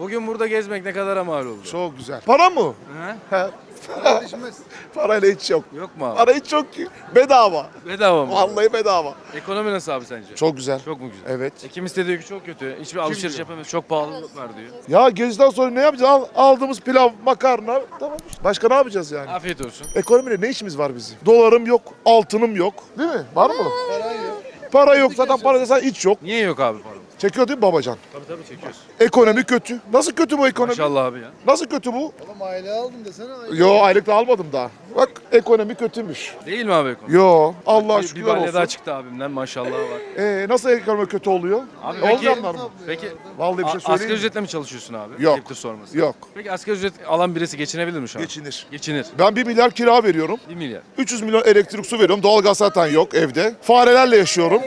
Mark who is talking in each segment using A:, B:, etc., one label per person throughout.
A: Bugün burada gezmek ne kadara mal oldu?
B: Çok güzel. Para mı?
A: He?
B: He. Parayla hiç yok.
A: Yok mu abi?
B: Para hiç yok ki. Bedava.
A: Bedava mı?
B: Vallahi bedava.
A: Ekonomi nasıl abi sence?
B: Çok güzel.
A: Çok mu güzel?
B: Evet.
A: Kimisi de diyor ki çok kötü. Hiçbir alışveriş
B: diyor?
A: yapamıyoruz. Çok pahalılık var diyor.
B: Ya geziden sonra ne yapacağız? Aldığımız pilav, makarna. Tamam işte. Başka ne yapacağız yani?
A: Afiyet olsun.
B: Ekonomiyle ne işimiz var bizim? Dolarım yok, altınım yok. Değil mi? Var mı? Para yok. Zaten para desen hiç yok.
A: Niye yok abi paramız?
B: Çekiyor değil mi babacan?
A: Tabii çekiyoruz.
B: Ekonomi kötü. Nasıl kötü bu ekonomi?
A: Maşallah abi ya.
B: Nasıl kötü bu?
C: Oğlum aile aldım desene.
B: Yo aylık da almadım daha. Bak ekonomi kötüymüş.
A: Değil mi abi ekonomi?
B: Yo Allah
A: Bir
B: şükürler
A: balya
B: olsun.
A: daha çıktı abimden maşallah var.
B: Nasıl ekonomi kötü oluyor?
A: Abi
B: Olmayanlar mı?
A: Peki
B: Vallahi bir şey
A: asgari
B: söyleyeyim mi?
A: ücretle mi çalışıyorsun abi?
B: Yok.
A: Ayıptır sorması.
B: Yok.
A: Peki asgari ücret alan birisi geçinebilir mi şu an?
B: Geçinir.
A: Geçinir.
B: Ben 1 milyar kira veriyorum.
A: 1 milyar.
B: 300 milyon elektrik su veriyorum. Doğalgaz zaten yok evde. Farelerle yaşıyorum.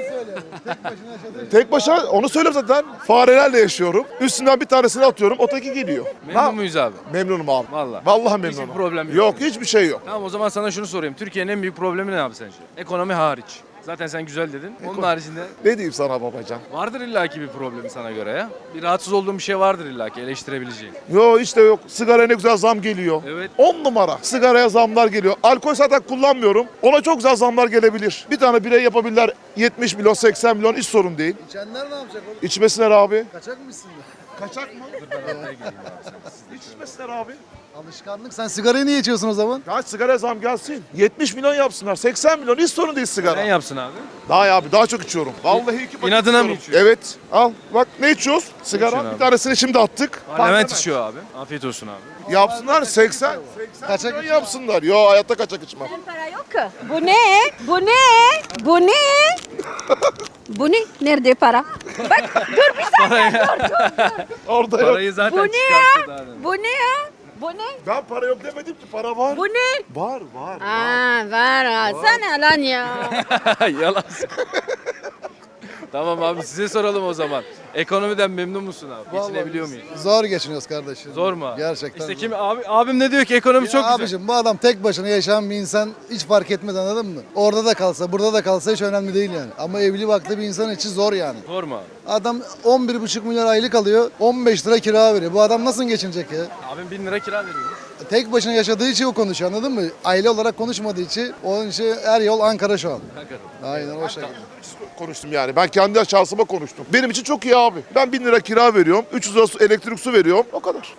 B: Tek başına onu söylüyorum zaten. Farelerle yaşıyorum. Üstünden bir tanesini atıyorum. Öteki geliyor.
A: Memnun muyuz abi?
B: Memnunum abi.
A: Vallahi.
B: Vallahi memnunum.
A: Hiçbir problem yok.
B: Yok hiçbir şey yok.
A: Tamam o zaman sana şunu sorayım. Türkiye'nin en büyük problemi ne abi sence? Ekonomi hariç. Zaten sen güzel dedin. Onun haricinde
B: Ne diyeyim sana babacan?
A: vardır illaki bir problemi sana göre ya. Bir rahatsız olduğun bir şey vardır illaki eleştirebileceğin.
B: Yok işte yok. Sigaraya ne güzel zam geliyor.
A: Evet.
B: 10 numara. Sigaraya zamlar geliyor. Alkol zaten kullanmıyorum. Ona çok güzel zamlar gelebilir. Bir tane birey yapabilirler 70 milyon 80 milyon hiç sorun değil.
C: İçenler ne yapacak oğlum?
B: İçmesinler abi.
C: Kaçak mısın?
B: Kaçak mı? Hiç içmesinler abi.
C: Alışkanlık. Sen sigarayı niye içiyorsun o zaman?
B: Daha sigara zam gelsin. 70 milyon yapsınlar. 80 milyon hiç sorun değil sigara.
A: Ne yapsın abi?
B: Daha ya abi daha çok içiyorum. Vallahi 2 paket
A: İnadına mı
B: içiyorum.
A: içiyorsun?
B: Evet. Al bak ne içiyoruz? Sigara.
A: içiyorsun
B: Bir
A: abi?
B: tanesini şimdi attık.
A: Parlament içiyor abi. Afiyet olsun abi.
B: Yapsınlar 80
C: Kaçak
B: milyon yapsınlar. Yo hayatta kaçak içmem.
D: Para yok ki. Bu ne? Bu ne? Bu ne? Bu ne? Nerede para? Bak dur bir saniye
B: Orada yok.
A: Parayı zaten
D: Bu ne
A: çıkarttı
D: ya?
A: daha demin.
D: Bu ne ya? Bu ne?
B: Ben para yok demedim ki para var.
D: Bu ne?
B: Var var.
D: Aa var ha. Sen lan ya.
A: Yalan. Tamam abi size soralım o zaman. Ekonomiden memnun musun abi? Geçinebiliyor muyuz?
C: Zor geçiniyoruz kardeşim.
A: Zor mu abi?
C: Gerçekten
A: İşte
C: zor.
A: kim abim ne diyor ki ekonomi
C: Ya
A: çok güzel.
C: abicim bu adam tek başına yaşayan bir insan hiç fark etmez anladın mı? Orada da kalsa burada da kalsa hiç önemli değil yani. Ama evli barklı bir insan için zor yani.
A: Zor mu abi?
C: Adam 11,5 milyar aylık alıyor 15 lira kira veriyor. Bu adam nasıl geçinecek ya?
A: Abim 1000 lira kira veriyor.
C: Tek başına yaşadığı için o konuşuyor anladın mı? Aile olarak konuşmadığı için onun için her yol Ankara şu an. Aynen o şekilde.
B: Konuştum yani. Ben kendi şahsıma konuştum. Benim için çok iyi abi. Ben 1000 lira kira veriyorum. 300 lira elektrik su veriyorum. O kadar.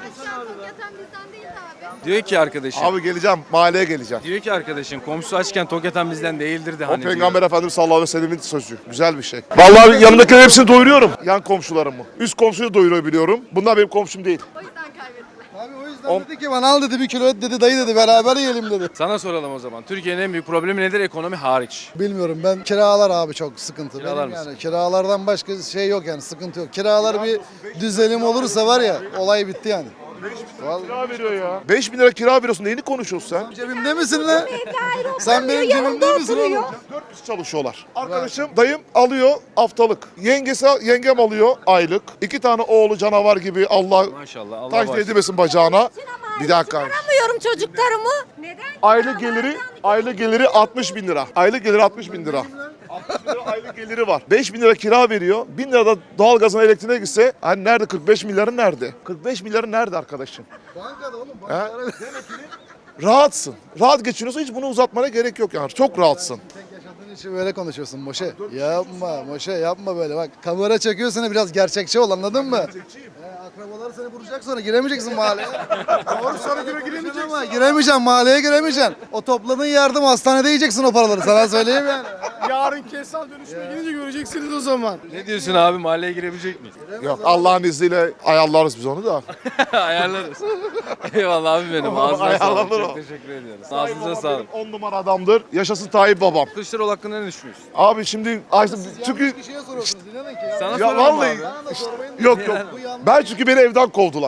A: Diyor ki arkadaşım.
B: Abi geleceğim. Mahalleye geleceğim.
A: Diyor ki arkadaşın komşusu açken tok yatan bizden değildir de
B: O
A: hani
B: Peygamber
A: diyor.
B: Efendimiz sallallahu aleyhi ve sellemin sözü. Güzel bir şey. Vallahi yanımdakilerin hepsini doyuruyorum. Yan komşularımı. Üst komşuyu doyurabiliyorum. Bunlar benim komşum değil.
C: Abi o yüzden dedi ki bana al dedi bir kilo et dedi dayı dedi beraber yiyelim dedi.
A: Sana soralım o zaman. Türkiye'nin en büyük problemi nedir ekonomi hariç?
C: Bilmiyorum ben kiralar abi çok sıkıntı.
A: Kiralar
C: Benim
A: mısın?
C: yani kiralardan başka şey yok yani sıkıntı yok. Kiralar bir düzelim olursa var ya olay bitti yani.
B: Kira veriyor ya. 5 bin lira kira veriyorsun. Neyini konuşuyorsun sen?
C: Cebimde misin lan? Sen benim cebimde misin oğlum?
B: 4 kişi çalışıyorlar. Arkadaşım, dayım alıyor haftalık. Yengem alıyor aylık. 2 tane oğlu canavar gibi Allah
A: Maşallah Allah
B: taş
A: bağışlasın.
B: değdirmesin bacağına. Bir dakika.
D: Çıkaramıyorum çocuklarımı. Neden?
B: Aylık geliri 60 bin lira. Aylık geliri 60 bin lira. 60 bin lira aylık geliri var. 5 bin lira kira veriyor. 1000 lira da doğalgazına elektriğine gitse hani nerede 45 milyarı nerede? 45 milyarı nerede arkadaşım?
C: Bankada oğlum
B: He?
C: bankada.
B: Rahatsın. Rahat geçiniyorsun hiç bunu uzatmana gerek yok yani. Çok rahatsın.
C: Tek yaşadığın için böyle konuşuyorsun Moşe. Yapma Moşe yapma böyle bak. Kamera çekiyorsun biraz gerçekçi ol anladın mı? Akrabalar seni vuracak sonra giremeyeceksin mahalleye. Doğru sonra giremeyeceksin ama giremeyeceksin mahalleye giremeyeceksin. O topladığın yardım hastanede yiyeceksin o paraları sana söyleyeyim yani.
E: Yarın kesal dönüşüme gidince göreceksiniz o zaman.
A: Ne diyorsun abi mahalleye girebilecek miyiz?
B: Yok Allah'ın izniyle ayarlarız biz onu da.
A: Ayarlarız. Eyvallah abi benim. Ağzına sağlık.
B: Ayarlanır
A: Çok
B: o.
A: teşekkür ediyoruz. Ağzınıza sağlık.
B: 10 numara adamdır. Yaşasın Tayyip babam.
A: Kılıçdaroğlu hakkında ne düşünüyorsun?
B: Abi şimdi çünkü
C: Yanlış kişiye soruyorsunuz inanın ki.
A: Sana
B: ya
A: soralım
B: vallahi
A: abi.
C: Bana da sormayın.
B: yok. Ben çünkü beni evden kovdular.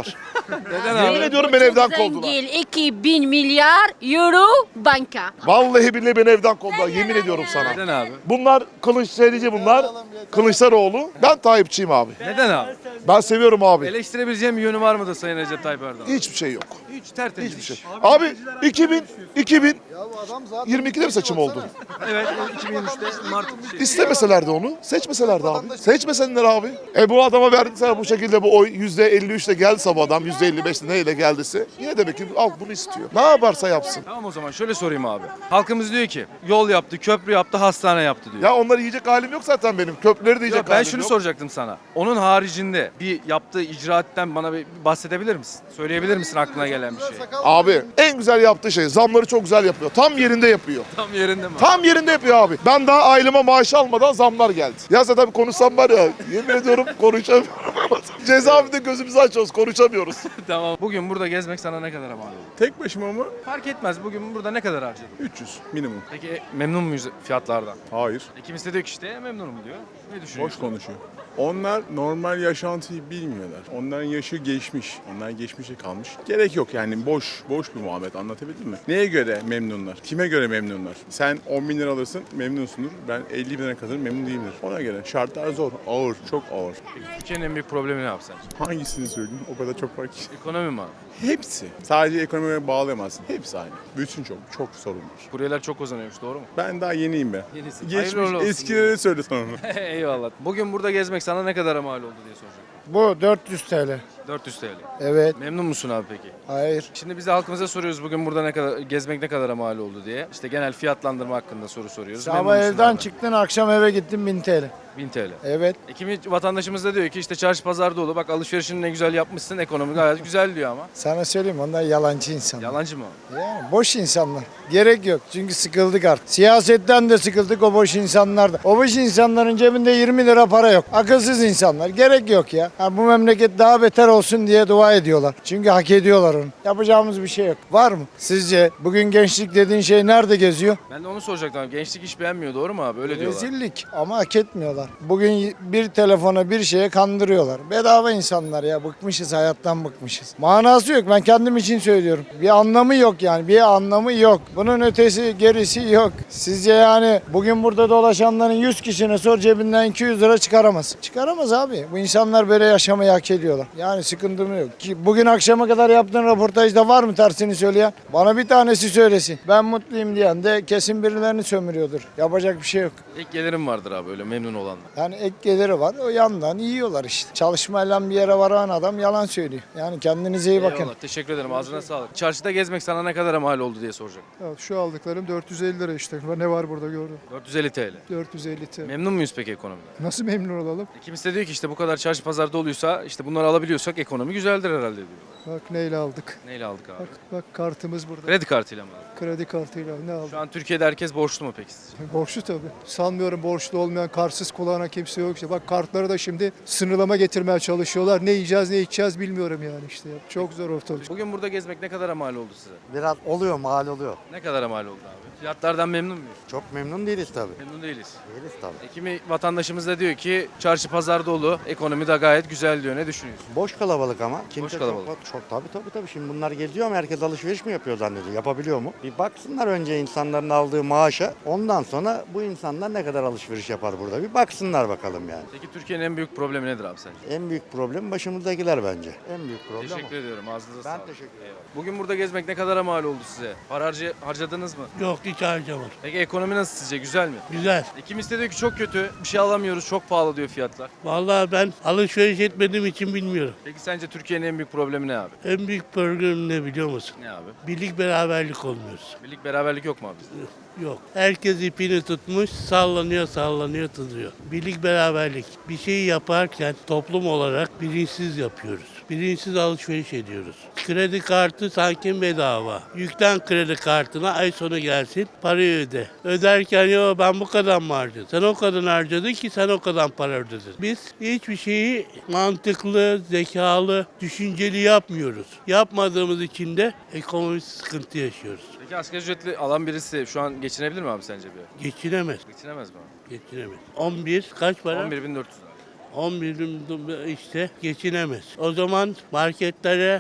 A: Neden
B: Yemin
A: abi?
B: ediyorum beni evden kovdular.
D: Zengin 2000 milyar euro banka.
B: Vallahi billahi beni evden kovdular. Yemin ediyorum sana.
A: Neden abi?
B: Bunlar Kılıçdaroğlu bunlar. Kılıçdaroğlu. Ben Tayyipçiyim abi.
A: Neden abi?
B: Ben seviyorum abi.
A: Eleştirebileceğim bir yönü var mıdır Sayın Recep Tayyip Erdoğan?
B: Hiçbir şey yok.
A: Hiç tertemiz.
B: Hiçbir şey. Abi 2022'de
C: Ya bu adam zaten
B: mi seçim oldu?
A: Evet, 2023'te Mart şey.
B: İstemeselerdi onu. Seçmeselerdi abi. Seçmesenler abi. Bu adama verdiyse bu şekilde bu oy %53'le gelse bu adam %55'le neyle geldiyse yine demek ki halk bunu istiyor. Ne yaparsa yapsın.
A: Tamam o zaman şöyle sorayım abi. Halkımız diyor ki yol yaptı, köprü yaptı, hastane yaptı diyor.
B: Ya onları yiyecek halim yok zaten benim. Köprüleri de
A: Ya
B: yiyecek
A: ben
B: halim
A: şunu
B: yok.
A: soracaktım sana. Onun haricinde bir yaptığı icraatten bana bir bahsedebilir misin? Söyleyebilir misin aklına gelen bir şey?
B: Abi en güzel yaptığı şey zamları çok güzel yapıyor. Tam yerinde yapıyor.
A: Tam yerinde mi?
B: Tam yerinde yapıyor abi. Ben daha aileme maaş almadan zamlar geldi. Ya zaten konuşsam var ya yemin ediyorum konuşamıyorum. Cezaevinde gözümüzü açıyoruz konuşamıyoruz.
A: Tamam. Bugün burada gezmek sana ne kadar mal oldu?
E: Tek başıma mı?
A: Fark etmez. Bugün burada ne kadar harcadın?
E: 300 minimum.
A: Peki memnun muyuz fiyatlardan?
E: Hayır.
A: Kimisi de diyor ki işte memnunum diyor. Ne
E: Boş
A: düşünüyorsun?
E: konuşuyor. Onlar normal yaşantıyı bilmiyorlar. Onların yaşı geçmiş. Onlar geçmişe kalmış. Gerek yok yani boş bir muhabbet, anlatabildim mi? Neye göre memnunlar? Kime göre memnunlar? Sen 10 bin lira alırsın memnunsundur. Ben 50 bin lira kazanırım memnun değilimdir. Ona göre. Şartlar zor. Ağır. Çok ağır.
A: Peki Türkiye'nin en büyük problemi ne yapsan?
E: Hangisini söyleyeyim? O kadar çok var ki.
A: Ekonomi mi abi?
E: Hepsi. Sadece ekonomiye bağlayamazsın. Hepsi aynı. Bütün çok sorun var.
A: Kuryeler çok kazanıyormuş doğru mu?
E: Ben daha yeniyim be.
A: Yenisin.
E: Geçmiş
A: Hayırlı uğurlu olsun.
E: eskileri söyle sonra onu.
A: Eyvallah. Bugün burada gezmek sana ne kadara mal oldu diye soracağım.
F: Bu 400 TL.
A: 400 TL.
F: Evet.
A: Memnun musun abi peki?
F: Hayır.
A: Şimdi biz de halkımıza soruyoruz bugün burada ne kadar gezmek ne kadara mal oldu diye. İşte genel fiyatlandırma hakkında soru soruyoruz.
F: Sabah
A: Memnun musun
F: evden
A: abi?
F: çıktın, akşam eve gittin 1000 TL.
A: 1000 TL.
F: Evet.
A: Kimi vatandaşımız da diyor ki işte çarşı pazar dolu. Bak alışverişini ne güzel yapmışsın. Ekonomi gayet güzel diyor ama.
F: Sana söyleyeyim, onlar yalancı insanlar.
A: Yalancı mı?
F: Yani boş insanlar. Gerek yok. Çünkü sıkıldık artık. Siyasetten de sıkıldık, o boş insanlardan. O boş insanların cebinde 20 lira para yok. Akılsız insanlar. Gerek yok ya. Ha, bu memleket daha beter olsun diye dua ediyorlar. Çünkü hak ediyorlar onu. Yapacağımız bir şey yok. Var mı? Sizce bugün gençlik dediğin şey nerede geziyor?
A: Ben de onu soracaktım abi. Gençlik iş beğenmiyor doğru mu abi? Öyle diyorlar.
F: Rezillik ama hak etmiyorlar. Bugün bir telefona bir şeye kandırıyorlar. Bedava insanlar ya, bıkmışız, hayattan bıkmışız. Manası yok, ben kendim için söylüyorum. Bir anlamı yok yani, bir anlamı yok. Bunun ötesi gerisi yok. Sizce yani bugün burada dolaşanların 100 kişine sor, cebinden 200 lira çıkaramaz. Çıkaramaz abi. Bu insanlar böyle yaşamayı hak ediyorlar. Yani sıkıntım yok. Ki bugün akşama kadar yaptığın röportajda var mı tersini söyleyen? Bana bir tanesi söylesin. Ben mutluyum diyen de kesin birilerini sömürüyordur. Yapacak bir şey yok.
A: İlk gelirim vardır abi öyle memnun olanlar.
F: Yani ek geliri var. O yandan yiyorlar işte. Çalışmayla bir yere varan adam yalan söylüyor. Yani kendinize iyi bakın.
A: Eyvallah. Teşekkür ederim. Ağzına sağlık. Çarşıda gezmek sana ne kadara mal oldu diye soracağım.
G: Ya şu aldıklarım 450 lira işte. Ne var burada gördüm.
A: 450 TL.
G: 450 TL.
A: Memnun muyuz peki ekonomiden?
G: Nasıl memnun olalım?
A: Kimisi de diyor ki işte bu kadar çarşı pazarda oluyorsa işte bunları alabiliyorsak ekonomi güzeldir herhalde diyor.
G: Bak neyle aldık.
A: Neyle aldık abi?
G: Bak kartımız burada.
A: Kredi kartıyla mı aldık?
G: Kredi kartıyla ne aldık?
A: Şu an Türkiye'de herkes borçlu mu peki sizce?
G: Borçlu tabii. Sanmıyorum borçlu olmayan, kartsız kulağına kimse yok işte. Bak kartları da şimdi sınırlama getirmeye çalışıyorlar. Ne yiyeceğiz ne içeceğiz bilmiyorum yani işte. Çok zor ortalık.
A: Bugün burada gezmek ne kadara mal oldu size?
H: Biraz oluyor, mal oluyor.
A: Ne kadara mal oldu abi? Fiyatlardan memnun muyuz?
H: Çok memnun değiliz tabii.
A: Memnun değiliz.
H: Değiliz tabii.
A: Kimi vatandaşımız da diyor ki çarşı pazar dolu, ekonomi de gayet güzel diyor. Ne düşünüyorsun?
H: Boş kalabalık ama. Kimse
A: kalabalık.
H: Çok tabii. Şimdi bunlar geziyor mu? Herkes alışveriş mi yapıyor zannediyor? Yapabiliyor mu? Bir baksınlar önce insanların aldığı maaşa. Ondan sonra bu insanlar ne kadar alışveriş yapar burada? Bir baksınlar bakalım yani.
A: Peki Türkiye'nin en büyük problemi nedir abi sence?
H: En büyük problem başımızdakiler bence. En büyük problem
A: Teşekkür ediyorum. Ağzınıza
H: Ben
A: sağlık.
H: teşekkür ederim.
A: Eyvallah. Bugün burada gezmek ne kadara mal oldu size? Para harcadınız mı?
I: Yok hiç harcamadım.
A: Peki ekonomi nasıl sizce? Güzel mi?
I: Güzel.
A: Kimisi de diyor ki çok kötü, bir şey alamıyoruz, çok pahalı diyor fiyatlar.
I: Vallahi ben alışveriş etmediğim için bilmiyorum.
A: Peki sence Türkiye'nin en büyük problemi ne abi?
I: En büyük problem ne biliyor musun?
A: Ne abi?
I: Birlik beraberlik olmuyoruz.
A: Birlik beraberlik yok mu abi bizde?
I: Yok. Herkes ipini tutmuş, sallanıyor, tutuyor. Birlik beraberlik. Bir şeyi yaparken toplum olarak bilinçsiz yapıyoruz. Bilinçsiz alışveriş ediyoruz. Kredi kartı sanki bedava. Yüklen kredi kartına, ay sonu gelsin, parayı öde. Öderken yo ben bu kadar mı harcadım? Sen o kadar harcadın ki sen o kadar para ödedin. Biz hiçbir şeyi mantıklı, zekalı, düşünceli yapmıyoruz. Yapmadığımız için de ekonomik sıkıntı yaşıyoruz.
A: Peki asgari ücretli alan birisi şu an geçinebilir mi abi sence bir?
I: Geçinemez.
A: Geçinemez mi abi?
I: Geçinemez. 11 kaç para?
A: 11.400 abi.
I: 11 işte geçinemez. O zaman marketlere,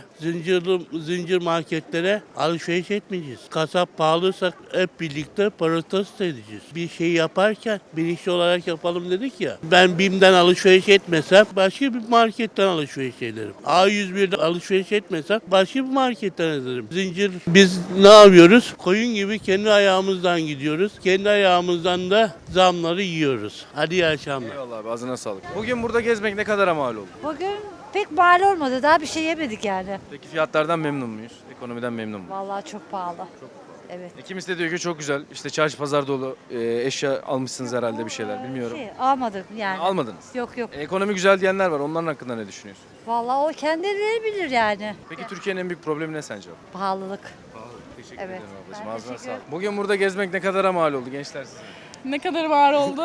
I: zincir marketlere alışveriş etmeyeceğiz. Kasap pahalıysa hep birlikte protesto edeceğiz. Bir şey yaparken bilinçli olarak yapalım dedik ya. Ben BİM'den alışveriş etmesem başka bir marketten alışveriş ederim. A101'de alışveriş etmesem başka bir marketten ederim. Zincir biz ne yapıyoruz? Koyun gibi kendi ayağımızdan gidiyoruz. Kendi ayağımızdan da zamları yiyoruz. Hadi iyi akşamlar.
A: Eyvallah abi, ağzına sağlık. Bugün burada gezmek ne kadara mal oldu?
J: Bugün pek mal olmadı. Daha bir şey yemedik yani.
A: Peki fiyatlardan memnun muyuz? Ekonomiden memnun muyuz?
J: Vallahi çok pahalı. Evet.
A: Kimisi de diyor ki çok güzel. İşte çarşı pazar dolu. Eşya almışsınız herhalde, bir şeyler. Bilmiyorum.
J: Almadık yani.
A: Almadınız.
J: Yok.
A: Ekonomi güzel diyenler var. Onların hakkında ne düşünüyorsun?
J: Vallahi o kendileri bilir yani.
A: Peki Türkiye'nin en büyük problemi ne sence?
J: Pahalılık.
A: Teşekkür
J: Evet.
A: ederim ablacığım.
J: Ben
A: Ağzına
J: teşekkür
A: sağlık. Bugün burada gezmek ne kadara mal oldu gençler sizin?
K: Ne kadar var oldu?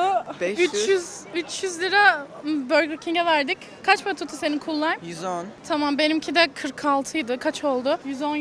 L: 500.
K: 300 lira Burger King'e verdik. Kaç para tuttu senin kullar?
L: 110.
K: Tamam, benimki de 46 idi. Kaç oldu? 110,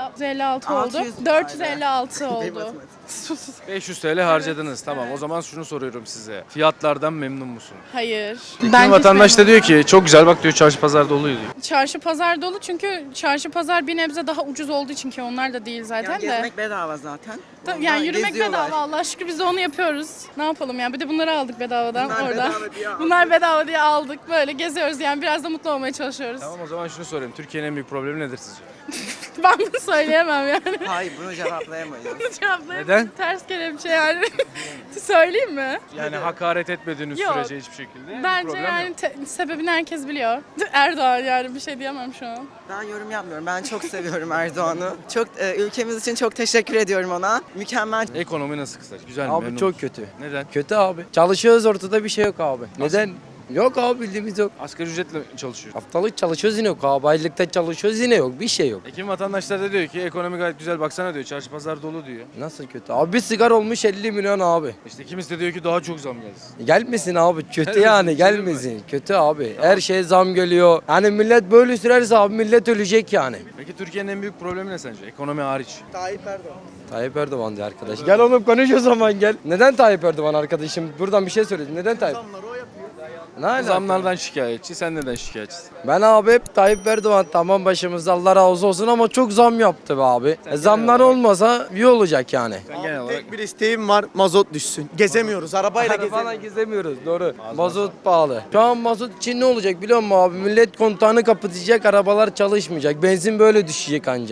K: 156 oldu.
L: 600
K: 456 oldu.
L: matematik.
K: Sus.
A: 500 TL harcadınız. Tamam, o zaman şunu soruyorum size. Fiyatlardan memnun musunuz?
K: Hayır.
A: Kimi
K: Ben
A: vatandaş da diyor ki çok güzel, bak diyor, çarşı pazar doluydu diyor.
K: çarşı pazar dolu, çünkü çarşı pazar bir nebze daha ucuz olduğu için, ki onlar da değil zaten
L: Yani
K: de.
L: gezmek bedava zaten.
K: Yani yürümek
L: Geziyorlar.
K: bedava, Allah şükür biz de onu yapıyoruz. Ne yapalım yani, bir de bunları aldık bedavadan
L: Bunlar
K: orada.
L: bedava diye aldık.
K: Bunlar bedava diye aldık, böyle geziyoruz yani, biraz da mutlu olmaya çalışıyoruz.
A: Tamam, o zaman şunu sorayım. Türkiye'nin en büyük problemi nedir sizce?
K: Ben bunu söyleyemem yani.
L: Hayır bunu cevaplayamayız.
K: Cevaplayayım.
A: Neden?
K: Ters kelepçe yani. Söyleyeyim mi?
A: Yani hakaret etmediğiniz
K: Yok.
A: sürece hiçbir şekilde bir
K: Bence
A: problem
K: yani
A: yok.
K: sebebini herkes biliyor. Erdoğan, yani bir şey diyemem şu an.
L: Ben yorum yapmıyorum. Ben çok seviyorum Erdoğan'ı. Çok ülkemiz için çok teşekkür ediyorum ona. Mükemmel.
A: Ekonomi nasıl kısaca? Güzel mi?
M: Abi
A: Memnun
M: çok
A: musun?
M: kötü.
A: Neden?
M: Kötü abi. Çalışıyoruz, ortada bir şey yok abi. Neden? Yok abi, bildiğimiz yok.
A: Asgari ücretle çalışıyor.
M: Haftalık çalışıyoruz yine yok abi. Aylıkta çalışıyoruz yine yok. Bir şey yok.
A: Kim vatandaşlar da diyor ki ekonomi gayet güzel, baksana diyor, çarşı pazar dolu diyor.
M: Nasıl kötü? Abi bir sigara olmuş 50 milyon abi.
A: İşte kimisi de diyor ki daha çok zam gelsin.
M: Gelmesin abi. Kötü
A: Gelmesin,
M: yani,
A: bir şey değil
M: gelmesin. Kötü abi. Her şeye zam geliyor. Yani millet böyle sürerse abi millet ölecek yani.
A: Peki Türkiye'nin en büyük problemi ne sence? Ekonomi hariç.
L: Tayyip Erdoğan.
M: Tayyip Erdoğan diye arkadaş. Gel oğlum konuş o zaman gel. Neden Tayyip Erdoğan arkadaşım? Buradan bir şey söyledim. Neden Tayyip? Ne alaka?
A: Zamlardan şikayetçi, sen neden şikayetçisin?
M: Ben abi hep Tayyip Erdoğan tamam başımızda, Allah razı olsun, ama çok zam yaptı be abi. Zamlar olmasa iyi olacak yani.
A: Sen genel olarak
N: Tek bir isteğim var, mazot düşsün. Gezemiyoruz, arabayla
M: Arabayla
N: gezemiyoruz.
M: gezemiyoruz, doğru. Mazot pahalı. Şu an mazot için ne olacak biliyor musun abi? Millet kontağını kapatacak, arabalar çalışmayacak. Benzin böyle düşecek anca.